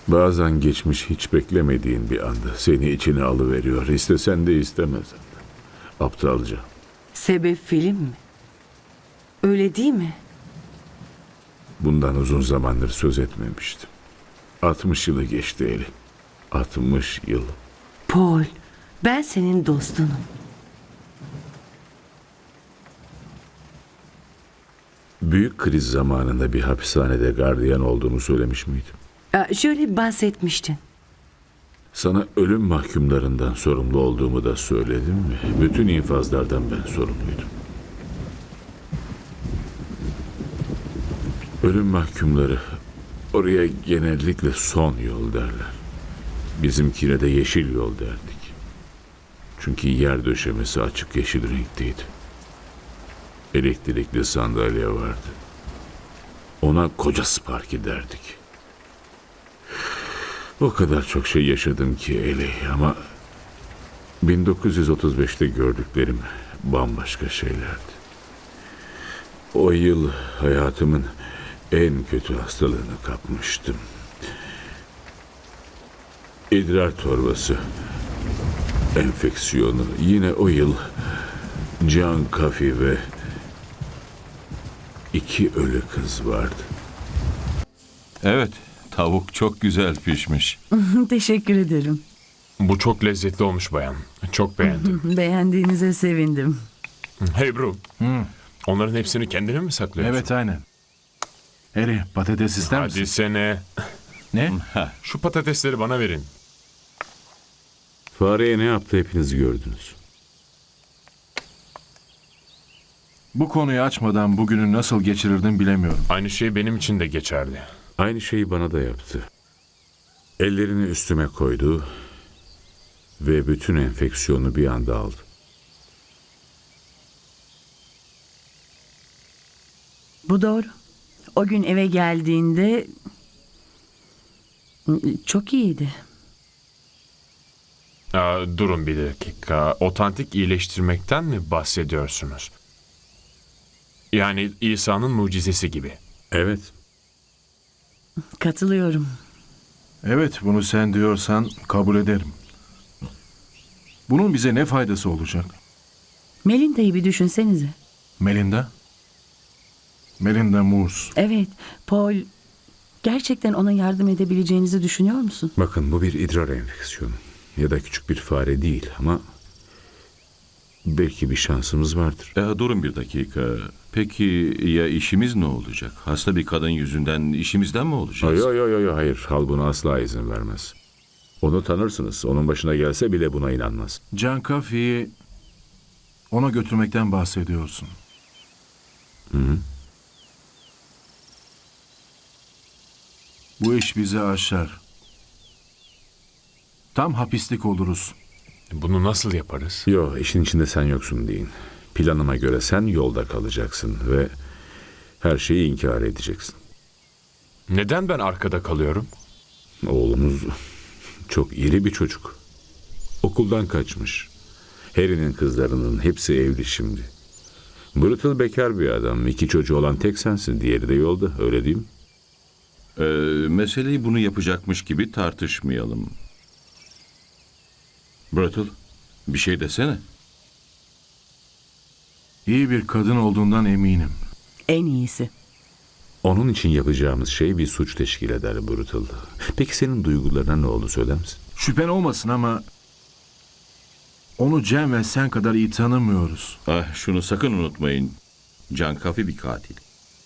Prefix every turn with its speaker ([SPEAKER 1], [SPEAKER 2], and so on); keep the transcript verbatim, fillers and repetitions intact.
[SPEAKER 1] Bazen geçmiş hiç beklemediğin bir anda seni içine alıveriyor. İstesen de istemezsen de. Aptalca.
[SPEAKER 2] Sebep film mi? Öyle değil mi?
[SPEAKER 1] Bundan uzun zamandır söz etmemiştim. altmış yılı geçti Eli. altmış yıl.
[SPEAKER 2] Paul, ben senin dostunum.
[SPEAKER 1] Büyük kriz zamanında bir hapishanede gardiyan olduğumu söylemiş miydim?
[SPEAKER 2] Aa, şöyle bahsetmiştin.
[SPEAKER 1] Sana ölüm mahkumlarından sorumlu olduğumu da söyledim mi? Bütün infazlardan ben sorumluydum. Ölüm mahkumları oraya genellikle son yol derler. Bizimkine de yeşil yol derdik. Çünkü yer döşemesi açık yeşil renkteydi. Elektrikli sandalye vardı. Ona koca Sparky derdik. O kadar çok şey yaşadım ki Eli, ama bin dokuz yüz otuz beşte gördüklerim bambaşka şeylerdi. O yıl hayatımın en kötü hastalığını kapmıştım. İdrar torbası enfeksiyonu. Yine o yıl Can Kafi ve iki ölü kız vardı.
[SPEAKER 3] Evet, tavuk çok güzel pişmiş.
[SPEAKER 2] Teşekkür ederim.
[SPEAKER 4] Bu çok lezzetli olmuş bayan. Çok beğendim.
[SPEAKER 2] Beğendiğinize sevindim.
[SPEAKER 4] Hey bro. Onların hepsini kendine mi saklıyorsun?
[SPEAKER 5] Evet, aynen. Harry, patates ister misin?
[SPEAKER 4] Hadi sene.
[SPEAKER 5] Ne?
[SPEAKER 4] Şu patatesleri bana verin.
[SPEAKER 1] Fareye ne yaptı hepiniz gördünüz.
[SPEAKER 5] Bu konuyu açmadan bugünü nasıl geçirirdin bilemiyorum.
[SPEAKER 4] Aynı şey benim için de geçerli.
[SPEAKER 1] Aynı şeyi bana da yaptı. Ellerini üstüme koydu ve bütün enfeksiyonu bir anda aldı.
[SPEAKER 2] Bu doğru. O gün eve geldiğinde çok iyiydi.
[SPEAKER 4] Aa, durun bir dakika. Otantik iyileştirmekten mi bahsediyorsunuz? Yani İsa'nın mucizesi gibi.
[SPEAKER 1] Evet,
[SPEAKER 2] Katılıyorum.
[SPEAKER 5] Evet, bunu sen diyorsan kabul ederim. Bunun bize ne faydası olacak?
[SPEAKER 2] Melinda'yı bir düşünsenize.
[SPEAKER 5] Melinda? Melinda Moores.
[SPEAKER 2] Evet, Paul, gerçekten ona yardım edebileceğinizi düşünüyor musun?
[SPEAKER 1] bakın bu bir idrar enfeksiyonu ya da küçük bir fare değil, ama belki bir şansımız vardır.
[SPEAKER 3] E, durun bir dakika. Peki ya işimiz ne olacak? Hasta bir kadın yüzünden işimizden mi olacağız?
[SPEAKER 1] Yo yo yo yo hayır, hal buna asla izin vermez. Onu tanırsınız, onun başına gelse bile buna inanmaz.
[SPEAKER 5] Can Coffey'i ona götürmekten bahsediyorsun.
[SPEAKER 1] Hı hı.
[SPEAKER 5] Bu iş bizi aşar. Tam hapislik oluruz.
[SPEAKER 4] Bunu nasıl yaparız?
[SPEAKER 1] Yo, işin içinde sen yoksun deyin. Planıma göre sen yolda kalacaksın ve her şeyi inkar edeceksin.
[SPEAKER 4] Neden ben arkada kalıyorum?
[SPEAKER 1] Oğlumuz çok iri bir çocuk. Okuldan kaçmış. Harry'nin kızlarının hepsi evli şimdi. Brutal bekar bir adam. İki çocuğu olan tek sensin. Diğeri de yolda. Öyle değil mi?
[SPEAKER 3] E, meseleyi bunu yapacakmış gibi tartışmayalım. Brutal, bir şey desene.
[SPEAKER 5] İyi bir kadın olduğundan eminim.
[SPEAKER 2] En iyisi.
[SPEAKER 1] Onun için yapacağımız şey bir suç teşkil eder Brutal. Peki senin duygularına ne oldu, söyler misin?
[SPEAKER 5] Şüphen olmasın ama onu Cem ve sen kadar iyi tanımıyoruz.
[SPEAKER 3] Ah, şunu sakın unutmayın. Can Kafi bir katil.